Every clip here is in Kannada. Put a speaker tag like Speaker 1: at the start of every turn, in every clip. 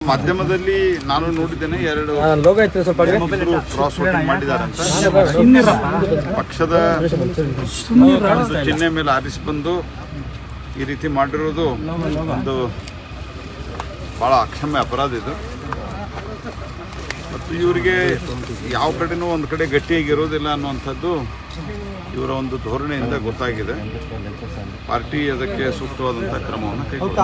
Speaker 1: ಮಾಧ್ಯಮದಲ್ಲಿ ನಾನು ನೋಡಿದ್ದೇನೆ, ಎರಡು ಕ್ರಾಸ್ ವೋಟಿಂಗ್ ಮಾಡಿದ್ದಾರೆ ಅಂತ. ಪಕ್ಷದ ಚಿಹ್ನೆ ಮೇಲೆ ಆರಿಸಿ ಬಂದು ಈ ರೀತಿ ಮಾಡಿರೋದು ಒಂದು ಭಾಳ ಅಕ್ಷಮ್ಯ ಅಪರಾಧ ಇದು. ಮತ್ತು ಇವರಿಗೆ ಯಾವ ಕಡೆನೂ ಒಂದು ಕಡೆ ಗಟ್ಟಿಯಾಗಿರೋದಿಲ್ಲ ಅನ್ನುವಂಥದ್ದು ಇವರ ಒಂದು ಧೋರಣೆಯಿಂದ ಗೊತ್ತಾಗಿದೆ. ಪಾರ್ಟಿ ಅದಕ್ಕೆ ಸೂಕ್ತವಾದಂಥ ಕ್ರಮವನ್ನು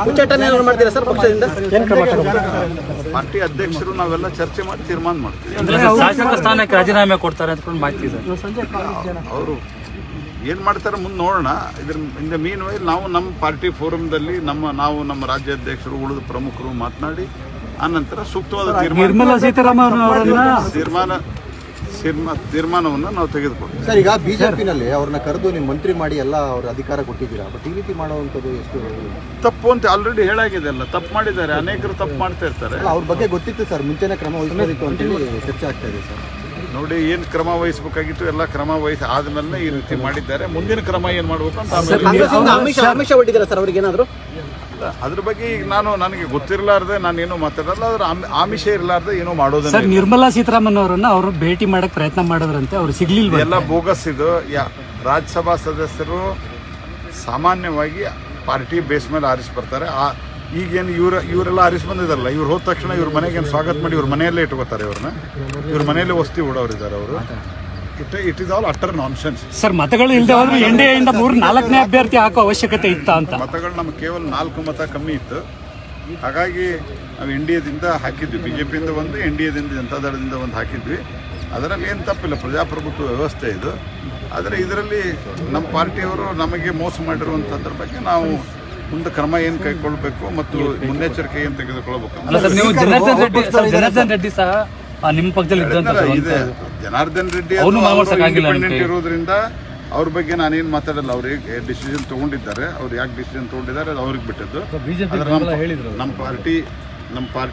Speaker 1: ಪಾರ್ಟಿ ಅಧ್ಯಕ್ಷರು ನಾವೆಲ್ಲ ಚರ್ಚೆ ಮಾಡಿ ತೀರ್ಮಾನ ಮಾಡ್ತೀವಿ.
Speaker 2: ಶಾಸಕ ಸ್ಥಾನಕ್ಕೆ ರಾಜೀನಾಮೆ ಕೊಡ್ತಾರೆ ಅಂತ ಮಾಹಿತಿ ಇದೆ.
Speaker 1: ಅವರು ಏನು ಮಾಡ್ತಾರೆ ಮುಂದೆ ನೋಡೋಣ. ಇದ್ರ ಮೀನ್ ವೈಲ್ ನಾವು ನಮ್ಮ ಪಾರ್ಟಿ ಫೋರಮ್ದಲ್ಲಿ ನಮ್ಮ ರಾಜ್ಯಾಧ್ಯಕ್ಷರು ಉಳಿದ ಪ್ರಮುಖರು ಮಾತನಾಡಿ ಆನಂತರ ಸೂಕ್ತವಾದ ತೀರ್ಮಾನವನ್ನು ನಾವು ತೆಗೆದುಕೊಳ್ತೀವಿ.
Speaker 3: ಸರ್, ಈಗ ಬಿಜೆಪಿನಲ್ಲಿ ಅವ್ರನ್ನ ಕರೆದು ನೀವು ಮಂತ್ರಿ ಮಾಡಿ ಎಲ್ಲ ಅವ್ರ ಅಧಿಕಾರ ಕೊಟ್ಟಿದ್ದೀರಾ, ಬಟ್ ಈ ರೀತಿ ಮಾಡುವಂಥದ್ದು ಎಷ್ಟು
Speaker 1: ತಪ್ಪು ಅಂತ ಆಲ್ರೆಡಿ ಹೇಳಾಗಿದೆ. ಅಲ್ಲ, ತಪ್ಪು ಮಾಡಿದ್ದಾರೆ, ಅನೇಕರು ತಪ್ಪು ಮಾಡ್ತಾ ಇರ್ತಾರೆ.
Speaker 3: ಅವ್ರ ಬಗ್ಗೆ ಗೊತ್ತಿತ್ತು ಸರ್, ಮುಂಚೆನೇ ಕ್ರಮ ವಹಿಸಬೇಕಿತ್ತು ಅಂತೇಳಿ ಚರ್ಚೆ ಆಗ್ತಾ ಇದೆ ಸರ್.
Speaker 1: ನೋಡಿ, ಏನು ಕ್ರಮ ವಹಿಸಬೇಕಾಗಿತ್ತು ಎಲ್ಲ ಕ್ರಮ ವಹಿಸಿ ಆದ್ಮೇಲೆ ಈ ರೀತಿ ಮಾಡಿದ್ದಾರೆ. ಮುಂದಿನ ಕ್ರಮ ಏನು ಮಾಡಬೇಕು ಅಂತ
Speaker 3: ಆಮಿಷ ಒಡ್ಡಿದ್ದೀರಾ ಸರ್ ಅವ್ರಿಗೆ ಏನಾದರೂ?
Speaker 1: ಅದ್ರ ಬಗ್ಗೆ ಈಗ ನನಗೆ ಗೊತ್ತಿರಲಾರ್ದೆ ನಾನೇನು ಮಾತಾಡಲ್ಲ. ಅದ್ರ ಆಮಿಷ ಇರಲಾರ್ದೆ ಏನೋ ಮಾಡೋದು.
Speaker 2: ಸರ್, ನಿರ್ಮಲಾ ಸೀತಾರಾಮನ್ ಅವರನ್ನ ಅವರು ಭೇಟಿ ಮಾಡಕ್ ಪ್ರಯತ್ನ ಮಾಡಿದ್ರಂತೆ, ಅವ್ರು ಸಿಗ್ಲಿಲ್ಲ.
Speaker 1: ಎಲ್ಲ ಬೋಗಸ್ ಇದು. ರಾಜ್ಯಸಭಾ ಸದಸ್ಯರು ಸಾಮಾನ್ಯವಾಗಿ ಪಾರ್ಟಿ ಬೇಸ್ ಮೇಲೆ ಆರಿಸಿ ಬರ್ತಾರೆ. ಈಗೇನು ಇವರೆಲ್ಲ ಆರಿಸಿ ಬಂದಿದಾರಲ್ಲ, ಇವ್ರು ಹೋದ ತಕ್ಷಣ ಇವ್ರ ಮನೆಗೆ ಸ್ವಾಗತ ಮಾಡಿ ಇವ್ರ ಮನೆಯಲ್ಲೇ ಇಟ್ಕೋತಾರೆ. ಇವ್ರ ಮನೆಯಲ್ಲೇ ವಸತಿ ಉಡೋರಿದ್ದಾರೆ ಅವರು. It is all utter nonsense.
Speaker 2: Sir, ಮತಗಳು ಇಲ್ಲದೆ ಹೋದ್ರೆ ಎನ್ಡಿಎಯಿಂದ 4ನೇ ಅಭ್ಯರ್ಥಿ ಹಾಕೋ ಅವಶ್ಯಕತೆ ಇತ್ತ ಅಂತ.
Speaker 1: ಮತಗಳು ನಮ್ಗೆ ಕೇವಲ 4 ಮತ ಕಮ್ಮಿ ಇತ್ತು. ಹಾಗಾಗಿ ನಾವು ಎನ್ಡಿಎದಿಂದ ಹಾಕಿದ್ವಿ. ಬಿಜೆಪಿಯಿಂದ ಒಂದು, ಎನ್ಡಿಎದಿಂದ ಜನತಾದಳದಿಂದ ಒಂದು ಹಾಕಿದ್ವಿ. ಅದರಲ್ಲಿ ಏನು ತಪ್ಪಿಲ್ಲ, ಪ್ರಜಾಪ್ರಭುತ್ವ ವ್ಯವಸ್ಥೆ ಇದು. ಆದರೆ ಇದರಲ್ಲಿ ನಮ್ಮ ಪಾರ್ಟಿಯವರು ನಮಗೆ ಮೋಸ ಮಾಡಿರುವಂಥದ್ರ ಬಗ್ಗೆ ನಾವು ಮುಂದೆ ಕ್ರಮ ಏನು ಕೈಗೊಳ್ಳಬೇಕು ಮತ್ತು ಮುನ್ನೆಚ್ಚರಿಕೆ ಏನು ತೆಗೆದುಕೊಳ್ಬೇಕು.
Speaker 2: ಜನಾರ್ದನ್ ರೆಡ್ಡಿ ಸಹ ನಿಮ್ಮ ಪಕ್ಷದಲ್ಲಿ
Speaker 1: ಇದೆ. ಜನಾರ್ದನ್ ರೆಡ್ಡಿ ಇರೋದ್ರಿಂದ ಅವ್ರ ಬಗ್ಗೆ ನಾನೇನು ಮಾತಾಡಲ್ಲ. ಅವ್ರು ಡಿಸಿಷನ್ ತಗೊಂಡಿದ್ದಾರೆ, ಅವ್ರು ಯಾಕೆ ಡಿಸಿಷನ್ ತಗೊಂಡಿದ್ದಾರೆ ಅದು ಅವ್ರಿಗೆ ಬಿಟ್ಟದ್ದು. ನಮ್ಮ ಪಾರ್ಟಿ